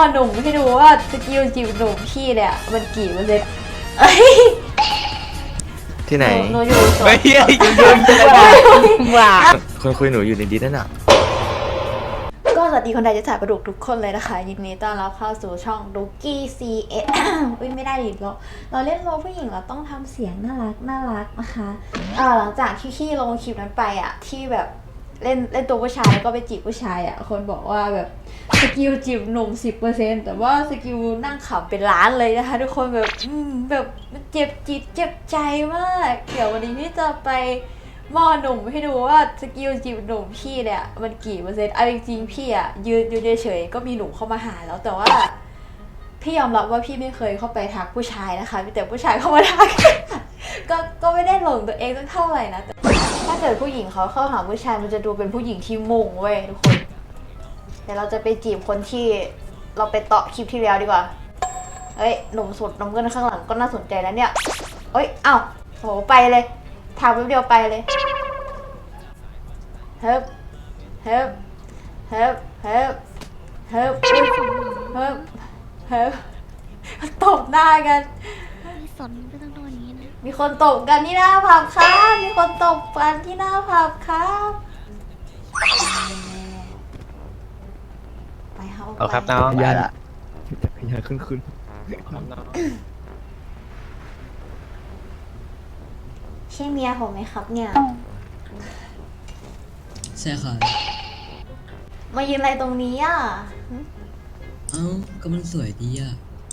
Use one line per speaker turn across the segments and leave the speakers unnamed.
หนุ่มให้ดูว่าสกิลจีบหนุ่มพี่เนี่ยมันกี่เปอร์เซ็นต์เอ้ย
ที่ไหน
หนูอยู่สวน
ไม่ยืนว่าคนคุยหนูอยู่ในดิสนั่นอ่ะ
ก็สวัสดีคนไทยจะถ่ายประดุกทุกคนเลยนะคะยินดีต้อนรับเข้าสู่ช่องดุกกี้ CS อุ้ยไม่ได้ดิเราเล่นโรลผู้หญิงเราต้องทำเสียงน่ารักนะคะหลังจากที่พี่ลงคลิปนั้นไปอ่ะที่แบบเล่นตัวผู้ชายแล้วก็ไปจีบผู้ชายอ่ะคนบอกว่าแบบสกิลจีบหนุ่ม 10% แต่ว่าสกิลนั่งขำเป็นล้านเลยนะคะทุกคนแบบแบบเจ็บจิตเจ็บใจมากเดี๋ยววันนี้พี่จะไปมอหนุ่มให้ดูว่าสกิลจีบหนุ่มพี่เนี่ยมันกี่เปอร์เซ็นต์เอาจริงๆพี่อะยืนเฉยๆก็มีหนุ่มเข้ามาหาแล้วแต่ว่าพี่ยอมรับว่าพี่ไม่เคยเข้าไปทักผู้ชายนะคะมีแต่ผู้ชายเข้ามาทัก ก็ไม่ได้หลงตัวเองสักเท่าไหร่นะแต่ถ้าเกิดผู้หญิงเขาเข้าหาผู้ชายมันจะดูเป็นผู้หญิงที่มุ่งเว้ยทุกคนแต่เราจะไปจีบคนที่เราไปเตาะคลิปที่แล้วดีกว่าเอ้ยหนุ่มสุดน้ำเงินข้างหลังก็น่าสนใจแล้วเนี่ยเอ้ยเอ้าโหไปเลยถามแป๊บเดียวไปเลยเฮิบเฮิบเฮิบเฮิบเฮิบเฮิบเฮิบตบหน้ากัน
ไม่สนก็ต้องโดนอย่างนี้นะ
มีคนตบกันที่หน้าผับครับมีคนตบกันที่หน้าผับครับไปครับ
เอาครับน้อง
ยัน
อย่าขึ้น
ใช่เมียผมไหมครับเนี่ย
ใช่ค่ะ
มายืนอะไรตรงนี้อ่ะ
เอ้าก็มันสวยดีอ่ะ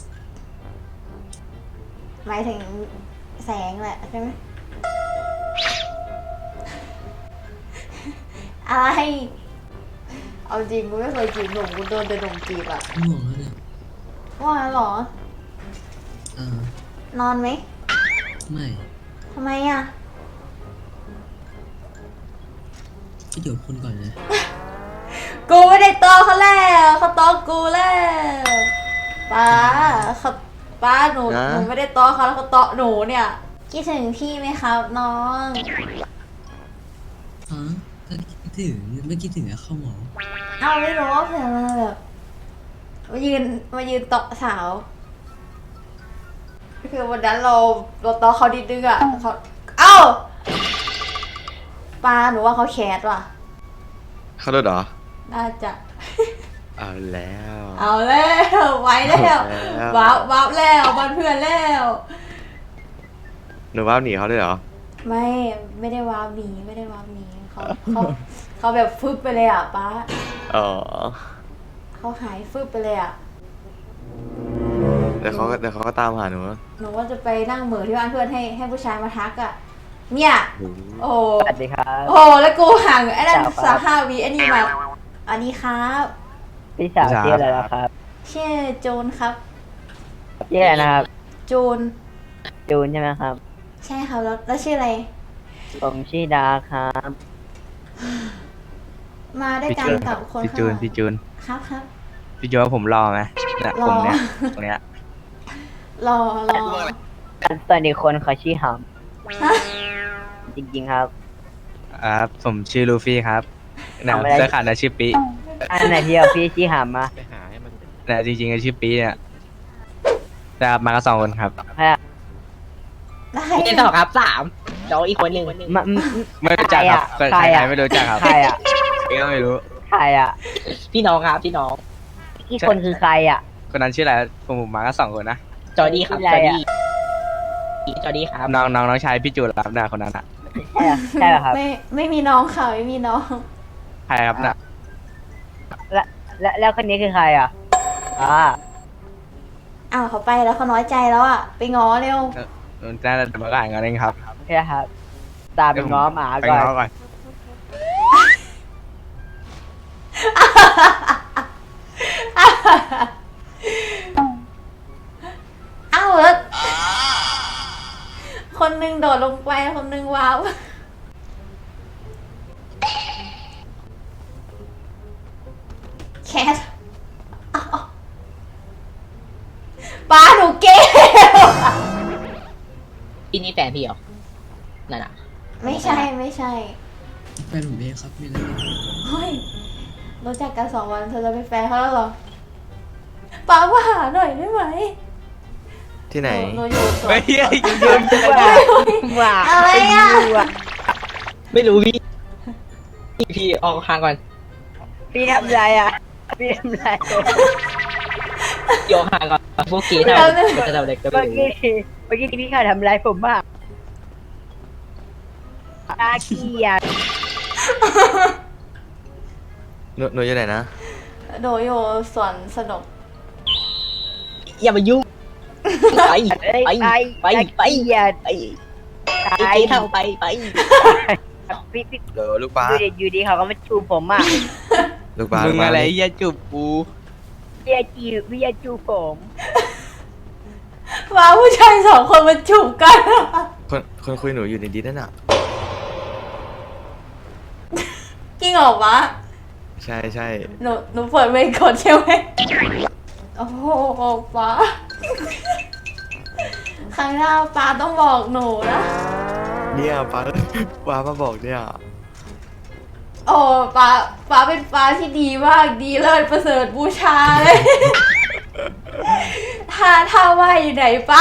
หมายถึงแสงแหละใช่ไหมอะไรเอาจริงกูไม่เคยจีบหนุ่มกูโดนแต่หนุ่มจีบอะ
ห่วงแล้วเนี่ย
ว่าเหรอ
อ่าน
อนไหม
ไม่
ทำไมอะ
ก็เดี๋ยวคนก่อนนะ
กูไม่ได้ตอเขาแล้วเขาตอกูแล้วป้าเขาป้าหนูไม่ได้ตอเขาแล้วเขาตอหนูเนี่ยคิดถึงพี่ไหมครับน้อง
ฮะก็คิดถึงไม่คิดถึงอะเข้าหมอ
เอาไม่รู้ว่าเผื่อมาแบบมายืนเตาะสาวคือวันนั้นเราตอเขาดิดนึงอ่ะเขาเอ้าปาหนูว่าเขาแคสว่ะ
เขาโดนเหรอ
น่าจะ
เอาแล้ว
เอาแล้วไว้แล้ว
เอาแล้ว
วับแล้วบ้านเพื่อนแล้ว
หนูว่าหนีเขาด้วยเหรอ
ไม่ได้วาร์ปหนีไม่ได้วาร์ปหนีเขาแบบฟึบไปเลยอ่ะป้า
อ๋อ
เขาหายฟึบไปเลยอ่ะ
เดี๋ยวเขาก็ตามหาหนู
หนูว่าจะไปนั่งเหม่อที่บ้านเพื่อนให้ผู้ชายมาทักอ่ะเนี่ย โอ้โห
สวัสดีครับ
โอ้โหแล้วกูห่างไอ้นั่น
ครับ
35 วิอันนี้มาอันนี้ครับ
พี่สาวชื่ออะไรนะครับ
ชื่อโจนครับ
ชื่ออะไรนะครับ
โจน
จูนใช่ไหมครับ
ใช่ครับแล้วชื่ออะไร
ผมชื่อดาครับ
มาด้วยกันกับคน
พี่
ข้าง
จู
ห
น
ลัง
พี่จูน
ครับครับ
พี่จูนว่าผมรอไหมเนี่ย
รอ
ผมเนี่ยตรงเนี้ย
รอ
ส่วนอีกคนเขาชื่อห
ฮะ
ำจริงๆครับ
ผมชื่อลูฟี่ครับนะ
ทำอะไร
เสื้อขาดนะชื่อปี
อันไหนที่เอาพี่ชื่อหำมา
นะจริงๆก็ชื่อปีเนี่ยแต่มากัน2 คนครับ
ให้
ได้
เล่นต่อครับ3น้องอีกคนหนึ่ง
มา
ไม่รู้จักครับ
ใครอะ
ไม่รู้จักครับ
ใครอ่ะ
พี่ก็ไม่รู้
ใครอ่ะ
พี่น้องครับพี่น้อง
อีกคนคือใครอ่ะ
คนนั้นชื่ออะไรผมมากัน2 คนนะ
จอร์ดี้ครับ
ชื่ออะไร
จอร์ดี้ครับ
น้องชายพี่จูนรับนะคนนั้นอะ
ใช่เหรอใช่เหรอครับ
ไม่มีน้องค่ะไม่มีน้อง
ใครครับน่ะ
แล้วคนนี้คือใครอ่ะอ่า
อ้าวเขาไปแล้วเขาน้อยใจแล้วอ่ะไปง้อเร็ว
น่าจะมาอ่านกันเองครับ
ใช่ครับ ตามไปง้อหมา
ไป
ก่อน
ง้อก่อน
อ้าวแล้วคนหนึงโดดลงไปคนหนึงว้าวแคทอ้าวป้าหนูเกล
พี่นี่แฟนพี่เหรอนั่นอ่ะ
ไม่ใช่
แฟนผมเองครับมีอะไร
เฮ้ยรู้จักกัน2 วันเธอจะเป็นแฟนเขาแล้วเหรอป้ามาหาหน่อยได้ไหม
ที่ไหน
หนูอยู่สวน
เฮ้ยยืนยืน
ว่า
อะไรอ่ะ
ไม่รู้พี่พี่ออกห่างก่อน
พี่ทำอะไรอ่ะพี่ทำอะไร
พี่ออกห่างก่อนพวกเกย์ทำจะทำอะไรก็ไม่
เมื่อ
รู้
กี้ที่พี่ข่าทำอะไรผมบ้างตาเกียด
หนูอยู่ไหนนะ
หนูอยู่สวนสนุก
อย่ามายุ่งไปไปไปไป
เกียด
ไปไอ้เกย์ทำไป
พี่
เดี๋ยวลูกป้า
อยู่ดีเขาก็มาจูบผมอ่ะ
ลูกป้า
มึงอะไร
ลูกป้า
เหี้ยจูบกู
พี่จะจูบผม
ว่าผู้ชายสองคนมาจูบกัน
คนคุยหนูอยู่ในดิสนั่นน่ะ
จริงเหรอวะ
ใช่ใช่
หนูเปิดเวรก่อนใช่ไหมโอ้โหป้าครั้งหน้าป้าต้องบอกหนูนะ
เนี่ยป้าป้ามาบอกเนี่ย
โอ้ป้าเป็นป้าที่ดีมากดีเลิศประเสริฐบูชาเลย ถ้าว่าอยู่ไหนป้า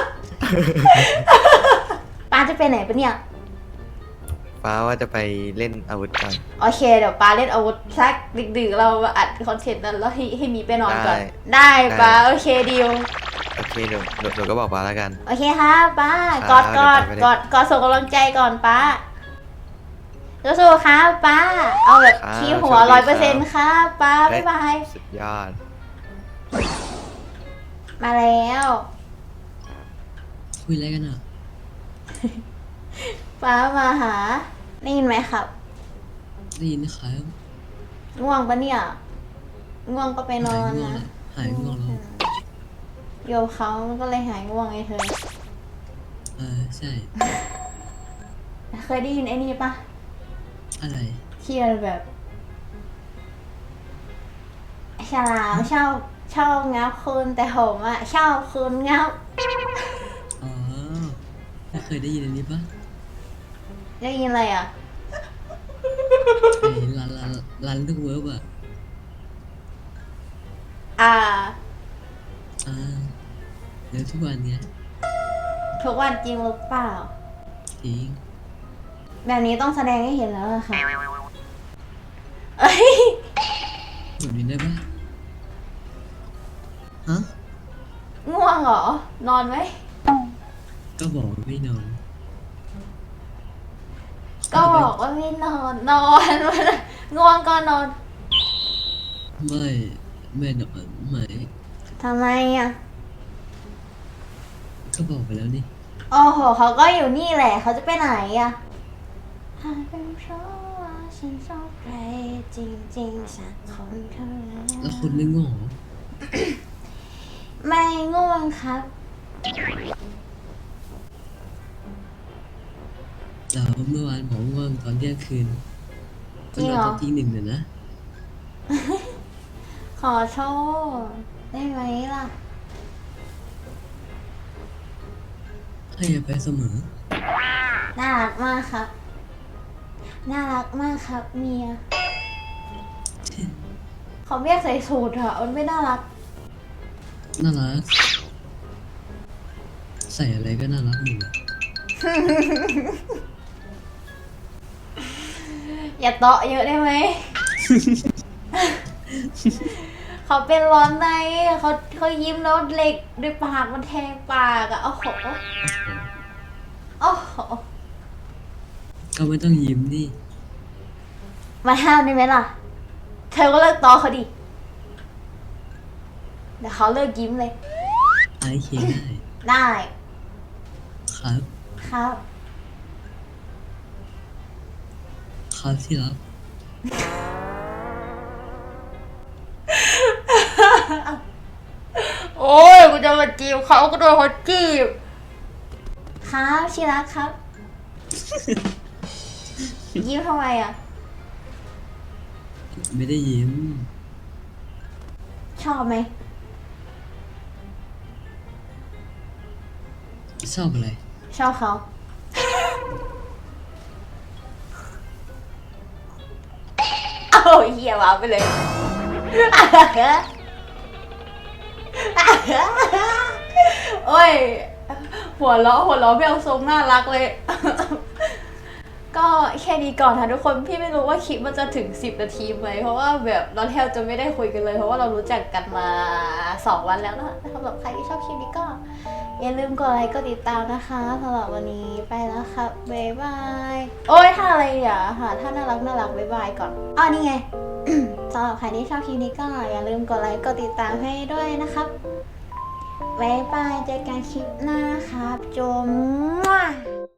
ป้าจะไปไหนปะเนี่ย
ป้าว่าจะไปเล่นอาวุธกัน
โอเคเดี๋ยวป้าเล่นอาวุธสักดึกๆเรามาอัดคอนเทนต์นั้นแล้วให้มีไปนอนก่อน ได้ป้าโอเคดีล
โอเคหนูก็บอกป้าแล้วกัน
โอเคค่ะป้า
ค
ก
รั
อบ ด
เดี๋ยวป้าไปเล่น
กอดส่งกำลังใจก่อนป้าสู้ๆครับป้า เอาแบบ
ครับ
ที่หัว
โชคดี
100%ครับป้าบ๊ายบาย
สุดยอด
มาแล้ว
คุยอะไรกันอ่ะ
ป้ามาหาได้ยินไหมครับ
ได้ยินนะครับ
ง่วงปะเนี่ย ง่วงก็ไปนอน
หายง่วง
นะ
แล้ว
โยเขาก็เลยหายง่วงไงเธอ
ใช่
เคยได้ยินไอ้นี่ปะ
อะไร
ที่มันแบบฉลามชอบงับคุณแต่ผมอะชอบคุณงับ
อ๋อไม่เคยได้ยินอันนี้ปะ
ได้ยินอะไรอ่ะ
ไอ้รันลูกเวิร์บอ่ะ
อ่า
เดี๋ยวทุกวันเนี้ย
ทุกวันจริงหรือเปล่า
จริง
แบบนี้ต้องแสดงให้เห็นแล้วอะค่ะเอ้ย
แบบนี้ได้ปะฮะ
ง่วงเหรอ นอนไหม
ก็บอกว่าไม่นอน
ก็บอกว่าไม่นอน นอน ง่วงก็นอน
ไม่นอนไม่
ทำไมอ่ะ
ก็บอกไปแล้วนี่
โอ้โห เขาก็อยู่นี่แหละ เขาจะไปไหนอ่ะหากเป็นเพราะว่าฉันชอบใครจริงๆสักคนเท่านั้น
แล้วคุณไม่ง่วงเหรอ
ไม่ง่วงครับ
แล้วเมื่อวานผมง่วงตอนเที่ยงคืน
จริงเหรอ
ตอนตีหนึ่งเลยนะ
ขอโทษได้ไหมล่ะ
ให้อภัยเสมอ
น่ารักมากครับ น่ารักมากครับเมียเขาเรียกใส่สูทอะมันไม่น่ารัก
น่ารัก ใส่อะไรก็น่ารักหมดอะ
อย่าเตาะเยอะได้ไหม เขาเป็นร้อนในเขายิ้มแล้วเหล็กด้วยปากมันแทงปากอะโอ้โหโอ้โห
ก็ไม่ต้องยิ้มดิ
มาห้ามได้ไหมล่ะ เธอก็เลิกตอเขาดิเดี๋ยวเขาเลิกยิ้มเลย
ไอเคได้
ได้
ครับ
ครับ
ครับที่รัก
โอ้ยกูจะมาจีบเขาก็โดนเขาจีบครับชิรักครับ ยิ้มทำไมอ่ะ
ไม่ได้ยิ้ม
ชอบไหม
ชอบอะไร
ชอบเขา เอาเหี้ยวาไปเลยโอ้ย หัวเราะไม่เอาทรงน่ารักเลย ก็แค่นี้ก่อนค่ะทุกคนพี่ไม่รู้ว่าคลิปมันจะถึง10 นาทีไหมเพราะว่าแบบเราแทบจะไม่ได้คุยกันเลยเพราะว่าเรารู้จักกันมา2 วันแล้วนะสำหรับใครที่ชอบคลิปนี้ก็อย่าลืมกดไลค์กดติดตามนะคะสำหรับวันนี้ไปแล้วครับบ๊ายบายโอ้ยท่าอะไรอ่ะหาท่าน่ารักบ๊ายบายก่อนอ๋อนี่ไง สำหรับใครที่ชอบคลิปนี้ก็อย่าลืมกดไลค์กดติดตามให้ด้วยนะครับบ๊ายบายเจอกันคลิปหน้าครับจม